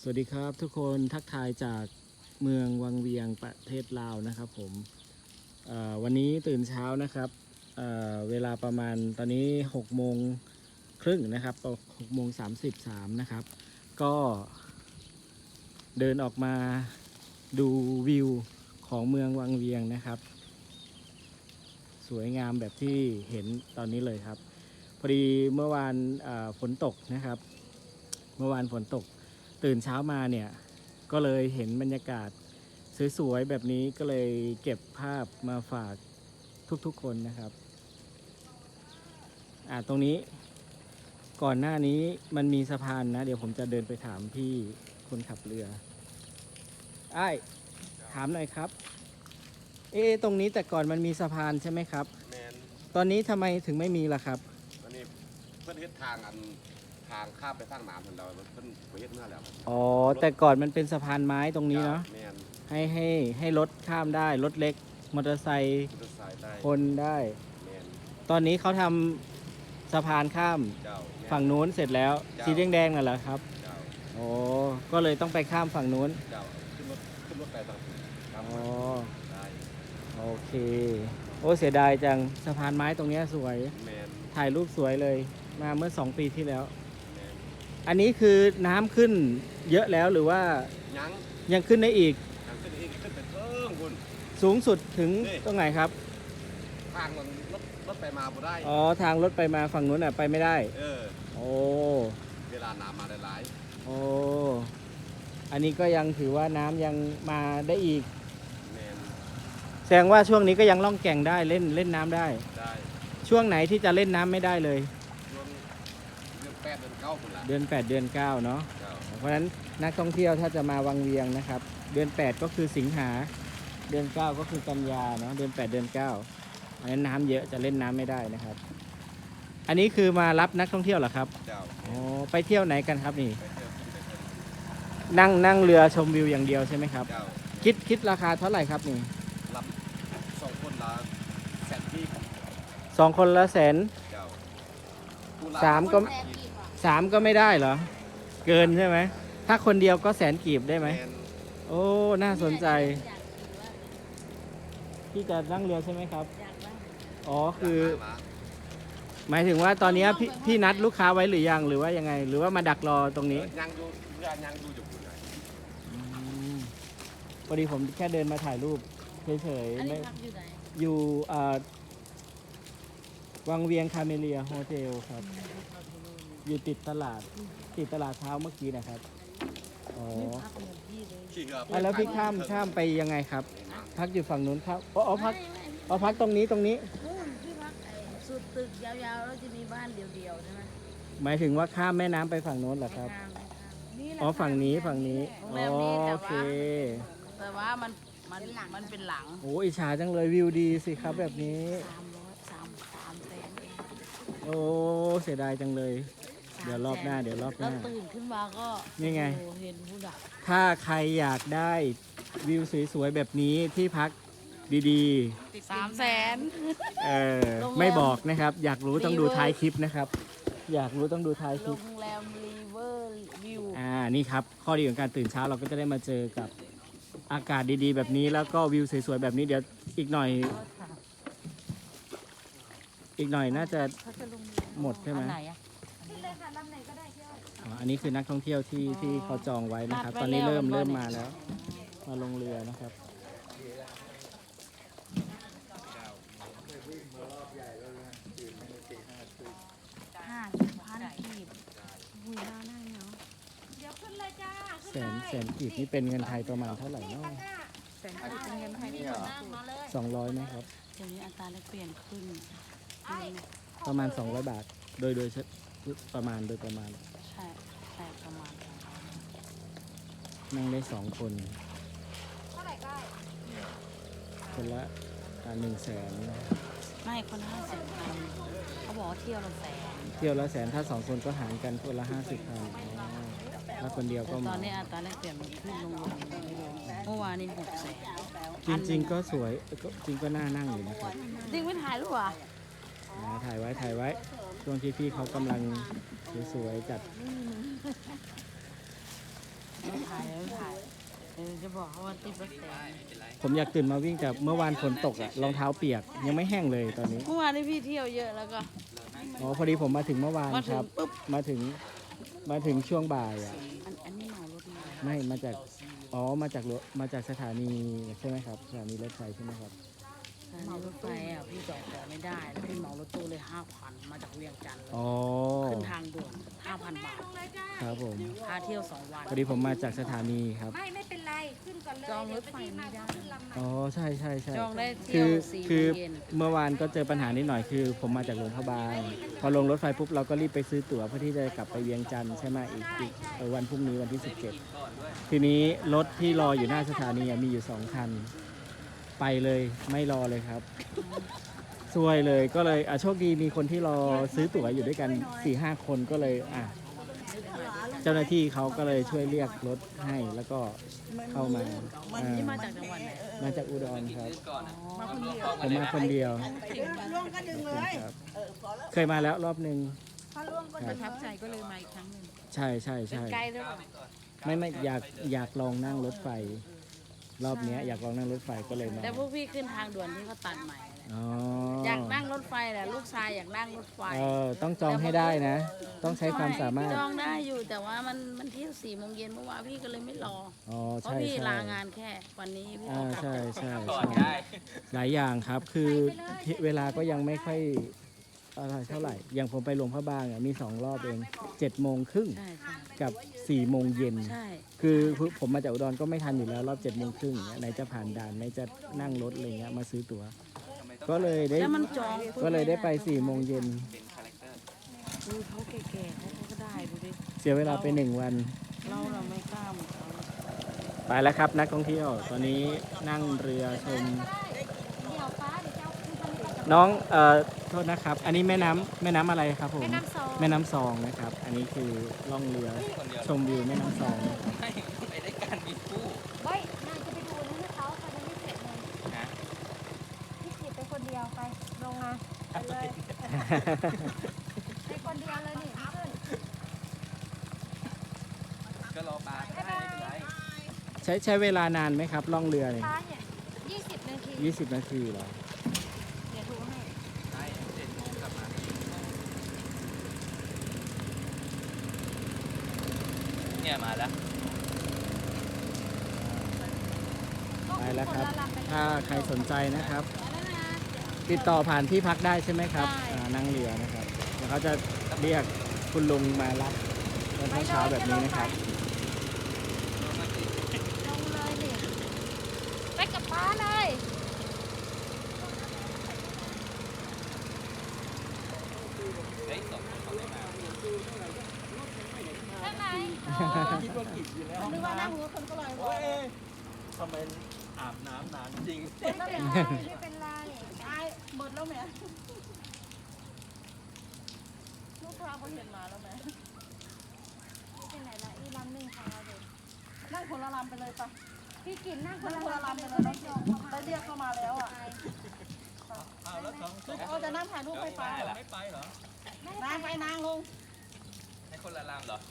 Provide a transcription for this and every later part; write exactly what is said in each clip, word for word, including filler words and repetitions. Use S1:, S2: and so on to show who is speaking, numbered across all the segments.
S1: วัสดีครับทุกคนทักทายจากเมืองวังเวียงประเทศลาวนะครับผมวันนี้ตื่นเช้านะครับเเวลาประมาณตอนนี้หกโมงครึ่งนะครับหกโมงสามสิบสามนะครับก็เดินออกมาดูวิวของเมืองวังเวียงนะครับสวยงามแบบที่เห็นตอนนี้เลยครับพอดีเมื่อวานฝนตกนะครับเมื่อวานฝนตกตื่นเช้ามาเนี่ยก็เลยเห็นบรรยากาศสวยๆแบบนี้ก็เลยเก็บภาพมาฝากทุกๆคนนะครับอ่าตรงนี้ก่อนหน้านี้มันมีสะพานนะเดี๋ยวผมจะเดินไปถามพี่คนขับเรือไอ้ถามหน่อยครับเอ๊ะตรงนี้แต่ก่อนมันมีสะพานใช่ไหมครับแมนตอนนี้ทำไมถึงไม่มีล่ะครับ
S2: ตอนนี้เพื่อนเฮ็ดทางอันทางข้ามไปทางน้ำเพิ่นเราเพิ่นไปเฮ็ดเมื่อแล้ว
S1: อ๋อแต่ก่อนมันเป็นสะพานไม้ตรงนี้เนาะให้ให้ให้รถข้ามได้รถเล็กมอเตอร์ไซค์คนได้ตอนนี้เขาทำสะพานข้ามฝั่งนู้นเสร็จแล้วสีแดงๆนั่นแหละครับโอ้ก็เลยต้องไปข้ามฝั่งนู้น
S2: ขึ้นรถขึ้นรถไปฝั่ง
S1: อ๋อโอเคโอ้เสียดายจังสะพานไม้ตรงนี้สวยถ่ายรูปสวยเลยมาเมื่อสองปีที่แล้วอันนี้คือน้ำขึ้นเยอะแล้วหรือว่า
S2: ยัง
S1: ยังขึ้นได้อีก
S2: ยังขึ้นอีกขึ้นไปเพิ่มคุณ
S1: สูงสุดถึงตรงไหนครับ
S2: ทางมันรถรถไปมาบ่ได้
S1: อ๋อทางรถไปมาฝั่งนู้นอ่ะไปไม่ได้
S2: เออ
S1: โอ้
S2: เวลาน้ำมาได้หลาย
S1: โอ้อันนี้ก็ยังถือว่าน้ำยังมาได้อีกแสดงว่าช่วงนี้ก็ยังล่องแก่งได้เล่นเล่นน้ำได้
S2: ได้
S1: ช่วงไหนที่จะเล่นน้ำไม่ได้เลย
S2: ช่วงเดือนแปดเดือนเก้าคนละ
S1: เดือนแปดเดือนเก้าเนาะเพราะฉะนั้นนักท่องเที่ยวถ้าจะมาวังเวียงนะครับเดือนแปดก็คือสิงหาเดือนเก้าก็คือกันยาเนาะเดือนแปดเดือนเก้าเพราะฉะนั้นน้ำเยอะจะเล่นน้ำไม่ได้นะครับอันนี้คือมารับนักท่องเที่ยวเหรอครับอ๋อไปเที่ยวไหนกันครับนี่นั่งนั่งเรือชมวิวอย่างเดียวใช่ไหมครับคิดคิดราคาเท่าไหร่ครับนี่
S2: รับสองคนละแสนที่
S1: สองคนละแสนสามก็สามก็ไม่ได้เหรอเกินใช่ไหมถ้าคนเดียวก็แสนกีบได้ไหมโอ้น่าสนใจพี่จะนั่งเรือใช่ไหมครับอ๋อคือหมายถึงว่าตอนนี้พี่พี่นัดลูกค้าไว้หรือยังหรือว่ายังไงหรือว่ามาดักรอตรงนี้
S2: ยังดูยังดูอยู่
S1: พอดีผมแค่เดินมาถ่ายรูปเฉยๆไม่อยู่วังเวียงคาเมเลียโฮเทลครับอยู่ติดตลาดติดตลาดเช้าเมื่อกี้นะครับอ๋อแล้วพี่ข้ามข้ามไปยังไงครับพักอยู่ฝั่งนู้นครับอ๋อพักอ๋อพักตรงนี้ตรงนี้
S3: พี่พักสุดตึกยาวๆแล้วจะมีบ้านเดียวๆใช่ไหม
S1: หมายถึงว่าข้ามแม่น้ำไปฝั่งโน้นเหรอครับอ๋อฝั่งนี้ฝั่งนี้โอเค
S3: แต่ว่ามันมันมันเป็นหลัง
S1: โอ้อิจฉาจังเลยวิวดีสิครับแบบนี้
S3: สามร้อยสามสามแสน
S1: โอ้เสียดายจังเลยเดี๋ยวรอบหน้าเดี๋ยวรอบหน้า
S3: ตื่นขึ้นมาก็
S1: นี่ไง
S3: เห็นผู้ดัก
S1: ถ้าใครอยากได้วิวสวยๆแบบนี้ที่พักดี
S3: ๆสามแสน
S1: เออไม่บอกนะครับอยากรู้ต้องดูท้ายคลิปนะครับอยากรู้ต้องดูท้ายคลิป
S3: โรงแรมรีเวอร์วิว
S1: อ่านี่ครับข้อดีของการตื่นเช้าเราก็จะได้มาเจอกับอากาศดีๆแบบนี้แล้วก็วิวสวยๆแบบนี้เดี๋ยวอีกหน่อยอีกหน่อยน่าจะหมดใช่ไหมอันนี้คือนักท่องเที่ยวที่ที่เขาจองไว้นะครับตอนนี้เริ่มเริ่มมาแล้วมาลงเรือนะครับ
S3: ห้าสิบพันกีบหุยน่านั่งเนาะ
S4: เดี๋ยวขึ้นเลยจ้า
S1: แสนแสนกีบนี่เป็นเงินไทยประมาณเท่าไหร่เนาะ
S3: แสนกีบเป็นเงินไทย
S1: สองร้อยไหมครับ
S3: เดี๋ยวนี้อัตราแลกเปลี่ยนขึ้น
S1: ประมาณสองร้อยบาทโดยโดยประมาณโดยประมาณ
S3: ใช่ใช่ประมาณ
S1: นั่งได้สองคนคนละหนึ่งแสน
S3: ไม่คนละห้าสิบพันเขาบอกว่าเที่ยวละแสน
S1: เที่ยวละแสนถ้าสองคนก็หารกันคนละห้าสิบพันถ้าคนเดียวก็
S3: ตอนนี้อัตราแลกเปลี่ยนมันขึ้นลงเมื่อวานนี้หกแส
S1: นจริงๆก็สวยจริงก็น่านั่งอยู่นะครับ
S3: จริงไม่ถ่ายรูปอ่ะ
S1: ถ่ายไว้ถ่ายไว้ช่วงที่พี่เขากำลังสวยๆจัด
S5: ไม่ถ่ายไม่ถ่ายเออจะบอกเขาว่าติดรถแต่
S1: ผมอยากตื่นมาวิ่งแต่เมื่อวานฝนตกอะรองเท้าเปียกยังไม่แห้งเลยตอนนี้
S5: เมื่อวานนี้พี่เที่ยวเยอะแล้วก็
S1: อ๋อพอดีผมมาถึงเมื่อวาน
S5: มาถึ
S1: ค
S5: ง
S1: รับ
S5: ปุ๊บ
S1: มาถึงมาถึงช่วงบ่ายอะ
S5: อันอันนี้เหมารถมา
S1: ไม่มาจากอ๋อมาจากรถมาจากสถานีใช่ไหมครับสถานีรถไฟใช่ไหมครับ
S5: เหมารถไฟอ่ะพี่จอดต่อไม่ได้แล้วพี่เหมารถตู้เลยห้าพันมาจากเวียงจันทร์เลย
S1: อ๋อ
S5: ขึ้นทางด่วนห้าพันบาท
S4: ลงเลยจ้า
S1: ครับผม
S5: พาเที่ยวสองวัน
S1: พอดีผมมาจากสถานีครับ
S4: ไม่ไม่เป็นไร ขึ้นก่อนเลย
S5: จองรถ
S4: เดี๋ยว
S5: ไฟ
S4: พี่
S5: ไม่
S4: มา
S5: ได้
S4: ก็ขึ้นลำใหม่
S1: อ๋อใช่ใช่ใช่
S5: จองได้
S1: คื
S5: เที่ย
S1: อ
S5: วสี่โม
S1: คือง
S5: เย็น
S1: เมื่อวานก็เจอปัญหานิดหน่อยคือ ผมมาจากหลวงพระบางพอลงรถไฟปุ๊บเราก็รีบไปซื้อตั๋วเพื่อที่จะกลับไปเวียงจันทร์ใช่ไหมอีกอีกเออวันพรุ่งนี้วันที่สิบเจ็ดทีนี้รถที่รออยู่หน้าสถานีอะมีอยู่สองคัน ไปเลยไม่รอเลยครับซวยเลยก็เลยอ่ะโชคดีมีคนที่รอซื้อตั๋วอยู่ด้วยกันสี่ห้าคนก็เลยอ่ะเจ้าหน้าที่เขาก็เลยช่วยเรียกรถให้แล้วก็เข้ามาอ่า
S5: นี่มาจากจังหวัดไหน
S1: มาจากอุดรครับ
S5: มาคนเดียว
S1: ผมมาคนเดียว
S3: ล่วงก็ดึงเลย
S1: ครับเคยมาแล้วรอบหนึ่ง
S3: พอล่วงก็
S1: ค
S3: ดึ
S1: รับ
S3: ง
S5: ทับใจก็เลยมาอีกครั้งหนึ่ง
S1: ใช่ใช่
S5: เป็น
S1: ใช่
S5: ไกด์ด้วยเปล่า
S1: ไม่ไม่อยากอยากลองนั่งรถไฟ รอบเนี้ยอยากลองนั่งรถไฟก็เลยมา
S5: แต่พวกพี่ขึ้นทางด่วนที่เขาตัดใหม่แหละ
S1: อ๋อ
S5: อยากนั่งรถไฟแหละลูกชายอยากนั่งรถไฟ
S1: เออต้องจองให้ได้นะ ต้องใช้ความสามารถ
S5: จองได้อยู่แต่ว่ามันมันเที่ยวสี่โมงเย็นเมื่อวานพี่ก็เลยไม่รอ
S1: อ๋อ
S5: เพราะ
S1: ใช่
S5: พี่
S1: ใช่
S5: ลางานแค่วันนี้พี่
S1: อ่า
S5: ต้องกลับ
S1: ใช่
S5: จาก
S1: ใช่ใช่หลายอย่างครับคือที่เวลาก็ยังไม่ค่อยอะไรเท่าไหร่ อย่างผมไปหลวงพระบางอ่ะมีสองรอบเองเจ็ดโมงครึ่ง
S5: ใช่ใช่
S1: กับสี่โมงเย็น
S5: ใช่
S1: คือผมมาจากอุดรก็ไม่ทันอยู่แล้วรอบเจ็ดโมงครึ่งไหนจะผ่านด่านไหนจะนั่งรถอะไรเงี้ยมาซื้อตั๋ว ก็เลยได้
S5: แล้วมันจอง
S1: ก็เลยได้ไปสี่โมงเย็น
S5: ดูเขาแก่ๆเขาก็ได้ดูดิ
S1: เสียเวลาไปหนึ่งวัน
S5: เราเราไม่กล้าเหมือนเขา
S1: ไปแล้วครับนักท่องเที่ยว ตอนนี้นั่งเรือชม
S4: เดี๋ยวฟ้าเดี๋ยวจะเอาขึ้นทางนี้ก่อน
S1: น้องเอ่อโทษนะครับ อันนี้แม่น้ำแม่น้ำอะไรครับผม
S4: แม่น้ำซอง
S1: แม่น้ำซองนะครับ อันนี้คือล่องเรือชมวิวแม่น้ำซองนะครับ
S6: ไปได้การมีคู่
S4: เฮ้ยนายจะไปดูนั่นให้เขาไปยังไม่เสร็จเลย
S6: ฮะ
S4: พี่กิตไปคนเดียวไปลงมาไปเลยไปคนเดียวเลยนี่ขึ้น
S6: ก็รอปลาก็ได้ไม่เป็นไร
S1: ใช้ใช้เวลานานไหมครับล่องเรือเนี่ย
S4: ฟ้าเนี่ยยี่สิบนาที
S1: ยี่สิบนาทีเหรอ
S4: เดี๋ยวดูให้
S6: ได้เจ็ดโมงกลับมาเนี่ยมาแล้ว
S1: ไปแล้วครับ
S4: ก็นละลำไป
S1: ถ้าใครสนใจนะครับ
S4: แล้วนะ
S1: ติดต่อผ่านที่พักได้ใช่ไหมครับ
S4: ได้
S1: อ่านั่งเรือนะครับเดี๋ยวเขาจะเรียกคุณลุงมารับตอนเช้าๆแบบนี้นะครับ
S4: ลงเลยนี่ไปกับป้าเลย
S6: เฮ้ยสองคนเขาไม่มา
S4: ได้ไหม
S1: คิดว่ากินอยู่แล้ว
S3: นึกว่านั่งหัวคนก็ลอยว่ะ
S1: ทำไมอาบน้ำนานจริง
S4: ไม่เป็นไรไม่เป็นไร
S3: ตายหมดแล้วแหม่ลูกค้าเขาเห็นมาแล้วแหม่
S4: ไม่เป็นไรละอีลำหนึ่งของเราเด็ก
S3: นั่งคนละลำไปเลยปะ
S4: พี่กินนั่งค
S3: นั่
S4: น
S3: ง
S4: ละ
S3: คนละ
S4: ลำ
S3: ลำ
S4: ไป
S3: ไป
S4: เล
S3: เลย ย
S4: ไม่
S3: น้อง
S4: จองเข้ามา
S3: ได้เรียกเข้ามาแล้วอ่ะ
S6: เอาแล้วสอง
S3: ลูกเอาจะนั่งถ่ายรูปไฟฟ้าเหรอ
S6: ไม่ไปเหรอ
S3: นางไปนางลง
S6: ให้คนละลำเหรอ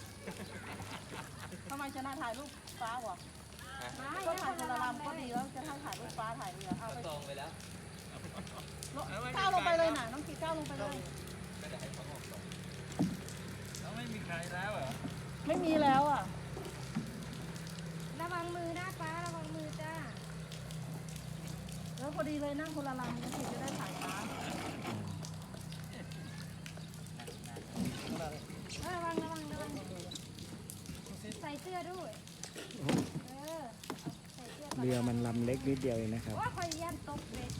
S3: ทำไมจะนั่งถ่ายรูปฟ้าวะ
S6: ฮะ
S3: ก็ถ่ายคนละลำก็ดีแล้วจะนั่งถ่ายรูปฟ้าถ่ายเรือเอา
S6: ก็
S3: ไป
S6: จองไปแล้ว
S3: ก้าวลงไปเลยน่ะน้องกีก้าวลงไปเลย
S6: ก็เดี๋ยวให้เขาออกก่อนแล้วไม่มีใครแล้วเหรอ
S3: ไม่มีแล้วอ่ะ
S4: ระวังมือนะป้าระวังมือจ้า
S3: แล้วพอดีเลยนั่งคนละลำน้องกีจะได้ถ่ายฟ้า
S4: ระวังระวังระวังใส่เสื้อด้วยเออใส่เสื้อก่อน
S1: เรือมันลำเล็กนิดเดียวเองนะครับ
S4: ว่าคอยยันตกเบ็ด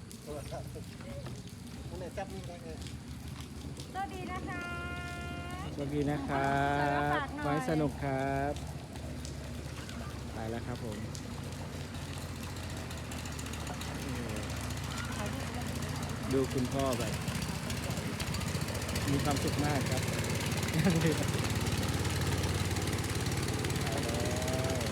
S4: สวัสดีนะคะ
S1: สวัสดีนะครับขอให้สนุกครับ ไปแล้วครับผมดูคุณพ่อแบบ มีความสุขมากครับนั่งเรือไปแล้ว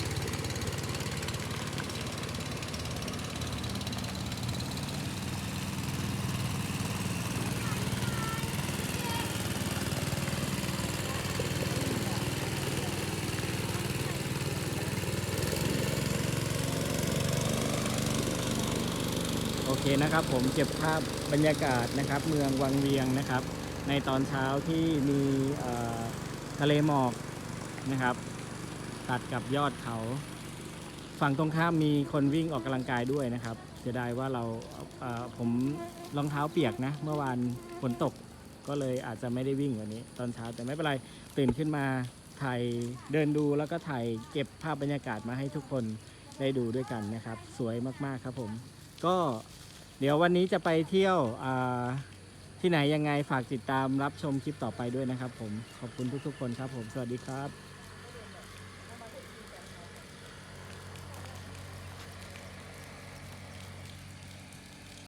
S1: เคนะครับผมเก็บภาพบรรยากาศนะครับเมืองวังเวียงนะครับในตอนเช้าที่มีเอ่อทะเลหมอกนะครับตัดกับยอดเขาฝั่งตรงข้ามมีคนวิ่งออกกำลังกายด้วยนะครับเสียดายว่าเราเอ่อผมรองเท้าเปียกนะเมื่อวานฝนตกก็เลยอาจจะไม่ได้วิ่งวันนี้ตอนเช้าแต่ไม่เป็นไรตื่นขึ้นมาถ่ายเดินดูแล้วก็ถ่ายเก็บภาพบรรยากาศมาให้ทุกคนได้ดูด้วยกันนะครับสวยมากๆครับผมก็เดี๋ยววันนี้จะไปเที่ยวที่ไหนยังไงฝากติดตามรับชมคลิปต่อไปด้วยนะครับผมขอบคุณทุกๆคนครับผมสวัสดีครับ